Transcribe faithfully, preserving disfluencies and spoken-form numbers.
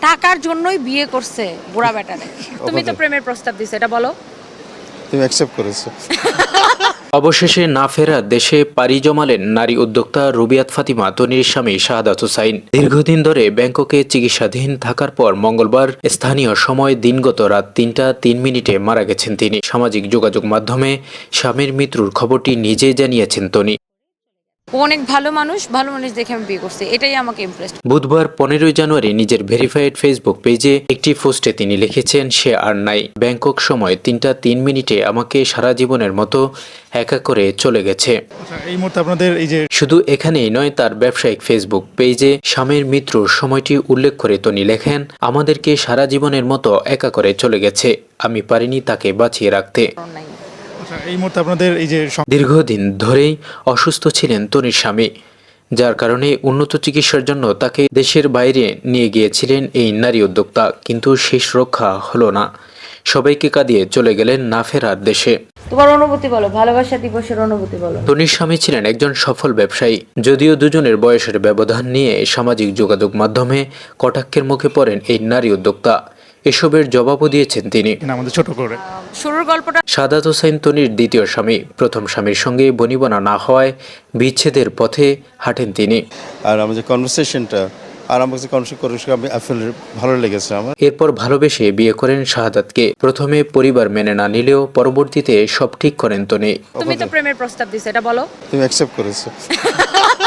টাকার জন্যই বিয়ে করছে বুড়া বেটারে। তুমি তো প্রেমের প্রস্তাব দিছো, এটা বলো। তুমি অ্যাকসেপ্ট করেছো। অবশেষে না ফেরা দেশে পাড়ি জমালেন নারী উদ্যোক্তা রুবিয়াত ফাতিমা তনির স্বামী শাহাদাত হুসাইন। দীর্ঘদিন ধরে ব্যাংককে চিকিৎসাধীন থাকার পর মঙ্গলবার স্থানীয় সময় দিনগত রাত তিনটা তিন মিনিটে মারা গেছেন তিনি। সামাজিক যোগাযোগ মাধ্যমে স্বামীর মৃত্যুর খবরটি নিজেই জানিয়েছেন তনি। ও অনেক ভালো মানুষ, ভালো মানুষ দেখে আমি বিয়ে করছি, এটাই আমাকে ইমপ্রেস। বুধবার পনেরোই জানুয়ারি নিজের ভেরিফাইড ফেসবুক পেজে একটি পোস্টে তিনি লিখেছেন, সে আর নাই। ব্যাংকক সময় তিনটা তিন মিনিটে আমাকে সারা জীবনের মতো একা করে চলে গেছে। এই মুহূর্তে আপনাদের এই যে শুধু এখানেই নয়, তার ব্যবসায়িক ফেসবুক পেজে স্বামীর মৃত্যুর সময়টি উল্লেখ করে তনি লেখেন, আমাদেরকে সারা জীবনের মতো একা করে চলে গেছে, আমি পারিনি তাকে বাঁচিয়ে রাখতে। এই মুহূর্তে আপনাদের এই যে দীর্ঘদিন ধরেই অসুস্থ ছিলেন তনির স্বামী, যার কারণে উন্নত চিকিৎসার জন্য তাকে দেশের বাইরে নিয়ে গিয়েছিলেন এই নারী উদ্যোক্তা, কিন্তু শেষ রক্ষা হলো না। সবাইকে কাঁদিয়ে চলে গেলেন না ফেরার দেশে। তোমার অনুভূতি বলো, ভালোবাসা দিবসের অনুভূতি বলো। তনির স্বামী ছিলেন একজন সফল ব্যবসায়ী। যদিও দুজনের বয়সের ব্যবধান নিয়ে সামাজিক যোগাযোগ মাধ্যমে কটাক্ষের মুখে পড়েন এই নারী উদ্যোক্তা। এসবের জবাবও দিয়েছেন তিনি। আমাদের ছোট করে শুরুর গল্পটা। শাহাদাত হোসেন তনির দ্বিতীয় স্বামী। প্রথম স্বামীর সঙ্গে বনিবনা না হওয়ায় বিচ্ছেদের পথে হাঁটেন তিনি। আর আমার যে কনভারসেশনটা আর আমার কাছে কনভারসেশন আমি আসলে ভালো লেগেছে আমার। এরপর ভালোবেসে বিয়ে করেন শাহাদাতকে। প্রথমে পরিবার মেনে না নিলেও পরবর্তীতে সব ঠিক করেন তনি। তুমি তো প্রেমের প্রস্তাব দিছো, এটা বলো। তুমি অ্যাকসেপ্ট করেছো।